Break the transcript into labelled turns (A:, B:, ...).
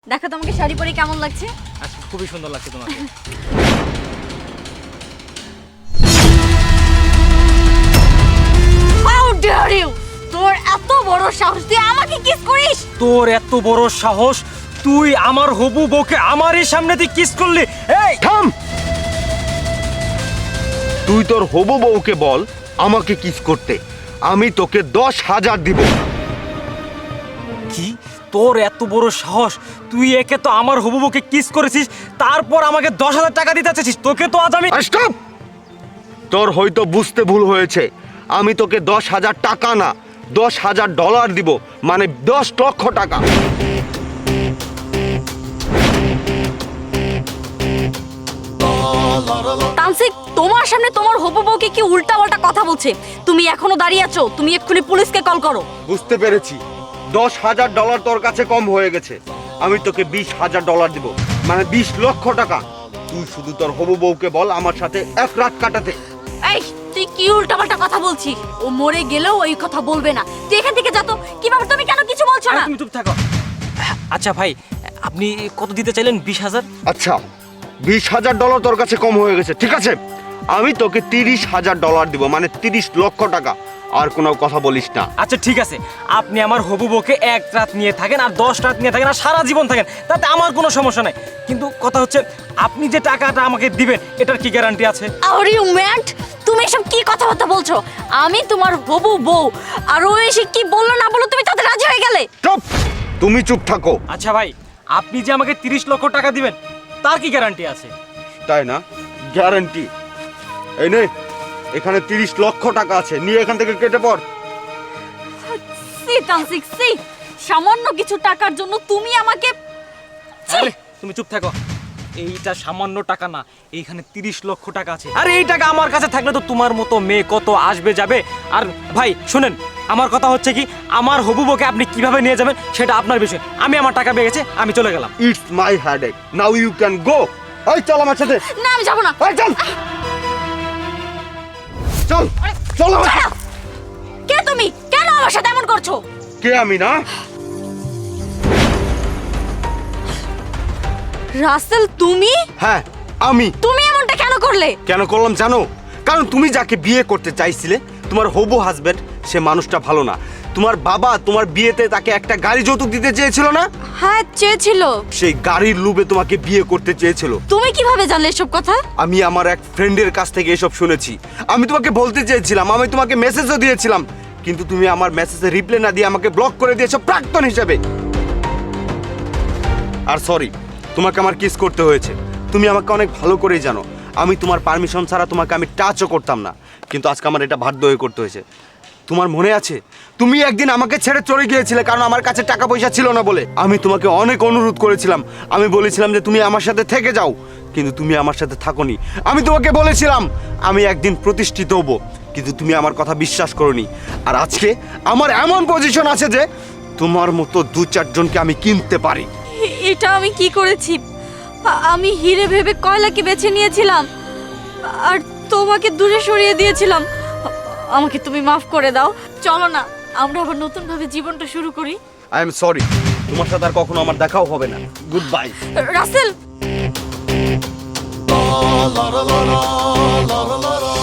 A: দেখো তোমাকে শাড়ি পরে কেমন লাগছে।
B: আচ্ছা খুবই সুন্দর লাগছে তোমাকে।
A: How dare you! তোর এত বড় সাহস তুই আমাকে কিস করিস?
B: তোর এত বড় সাহস, তুই আমার হবু বউকে আমারই সামনে দিয়ে কিস করলি? এই
C: থাম! তুই তোর হবু বউকে বল আমাকে কিস করতে, আমি তোকে 10,000 দিব।
B: কি? তোর এত বড় সাহস, তুই একে তো আমার হবু বউকে কিস করেছিস, তারপর আমাকে 10,000 টাকা দিতে চাচ্ছিস? তোকে তো আজ আমি
C: স্টপ! তোর হয়তো বুঝতে ভুল হয়েছে, আমি তোকে 10,000 টাকা না, $10,000 দিব, মানে 10 লক্ষ টাকা।
A: তানসিক, তোমার সামনে তোমার হবু বউকে কি উল্টাপাল্টা কথা বলছে? তুমি এখনো দাঁড়িয়ে আছো? তুমি এক্ষুনি পুলিশকে কল করো।
C: বুঝতে পেরেছি, $10,000 তোর কাছে কম হয়ে গেছে। আমি তোকে $20,000 দিব, মানে 20 লক্ষ টাকা। তুই শুধু তোর হবু বউকে বল আমার সাথে এক রাত কাটাতে।
A: এই, তুই কি উল্টাপাল্টা কথা বলছিস? ও মরে গেলেও ওই কথা বলবে না। তুই এখান থেকে যা তো। কি ব্যাপার, তুমি কেন কিছু বলছো
B: আরে
A: না?
B: তুমি চুপ থাকো। আচ্ছা ভাই, আপনি কত দিতে চাইলেন? 20,000?
C: আচ্ছা, $20,000 তোর কাছে কম হয়ে গেছে, ঠিক আছে। আমি তোকে $30,000 দিব, মানে 30 লক্ষ টাকা। আর কোনো কথা বলিস না।
B: আচ্ছা ঠিক আছে, আপনি আমার হবু বউকে এক রাত নিয়ে থাকেন আর 10 রাত নিয়ে থাকেন আর সারা জীবন থাকেন, তাতে আমার কোনো সমস্যা নাই। কিন্তু কথা হচ্ছে, আপনি যে টাকাটা আমাকে দিবেন এটার কি গ্যারান্টি আছে?
A: Are you mad? তুমি এসব কি কথাবার্তা বলছো? আমি তোমার হবু বউ, আর ও এসে কি বললো না বলো তুমি তাতে রাজি হয়ে গেলে?
C: চুপ! তুমি চুপ থাকো।
B: আচ্ছা ভাই, আপনি যে আমাকে 30 লক্ষ টাকা দিবেন তার কি গ্যারান্টি আছে?
C: তাই না? গ্যারান্টি এই নে, এখানে 30 লক্ষ টাকা আছে, নিয়ে এখান থেকে কেটে পড়।
A: সি তানসিক, সি, সামান্য কিছু টাকার জন্য তুমি আমাকে
B: আরে তুমি চুপ থাকো। এইটা সামান্য টাকা না, এইখানে 30 লক্ষ টাকা আছে। আর এই টাকা আমার কাছে থাকলে তো তোমার মতো মেয়ে কত আসবে যাবে। আর ভাই শুনেন, আমার কথা হচ্ছে কি, আমার হবু বউকে আপনি কিভাবে নিয়ে যাবেন সেটা আপনার বিষয়। আমি আমার টাকা পেয়ে গেছে, আমি চলে গেলাম।
C: It's my headache, now you can go. এই চল আমার সাথে।
A: না, আমি যাবো না।
C: এই চল চল চল আমার সাথে।
A: কে তুমি? কেন আমার সাথে এমন করছো?
C: কে আমি না?
A: রাসেল, তুমি?
C: হ্যাঁ আমি।
A: তুমি এমনটা কেন করলে?
C: কেন করলাম জানো? কারণ তুমি যাকে বিয়ে করতে চাইছিলে, তোমার হবু হাজবেন্ড, সে মানুষটা ভালো না। তোমার বাবা তোমার বিয়েতে তাকে একটা গাড়ি যৌতুক দিতে চেয়েছিল না?
A: হ্যাঁ, চেয়েছিল।
C: সেই গাড়ির লোভে তোমাকে বিয়ে করতে চেয়েছিল।
A: তুমি কিভাবে জানলে এসব কথা?
C: আমি আমার এক ফ্রেন্ডের কাছ থেকে এসব শুনেছি। আমি তোমাকে বলতে চেয়েছিলাম, আমি তোমাকে মেসেজও দিয়েছিলাম, কিন্তু তুমি আমার মেসেজে রিপ্লাই না দিয়ে আমাকে ব্লক করে দিয়েছো প্রাক্তন হিসেবে। আর সরি, তোমাকে আমার কিস করতে হয়েছে। তুমি আমাকে অনেক ভালো করেই জানো, আমি তোমার পারমিশন ছাড়া তোমাকে আমি টাচও করতাম না, কিন্তু আজকে আমার এটা বাধ্য হয়ে করতে হয়েছে। তোমার মনে আছে তুমি একদিন আমাকে ছেড়ে চলে গিয়েছিলে কারণ আমার কাছে টাকা পয়সা ছিল না বলে? আমি তোমাকে অনেক অনুরোধ করেছিলাম, আমি বলেছিলাম যে তুমি আমার সাথে থেকে যাও, কিন্তু তুমি আমার সাথে থাকোনি। আমি তোমাকে বলেছিলাম আমি একদিন প্রতিষ্ঠিত হব, কিন্তু তুমি আমার কথা বিশ্বাস করোনি। আর আজকে আমার এমন পজিশন আছে যে তোমার মতো 2-4 জনকে আমি কিনতে পারি।
A: এটা আমি কি করেছি? আমি হিরে ভেবে কয়লাকে বেছে নিয়েছিলাম আর তোমাকে দূরে সরিয়ে দিয়েছিলাম। আমাকে তুমি মাফ করে দাও। চলো না, আমরা আবার নতুন ভাবে জীবনটা শুরু করি।
C: আই এম সরি, তোমার সাথে আর কখনো আমার দেখাও হবে না। Good bye.
A: রাসেল।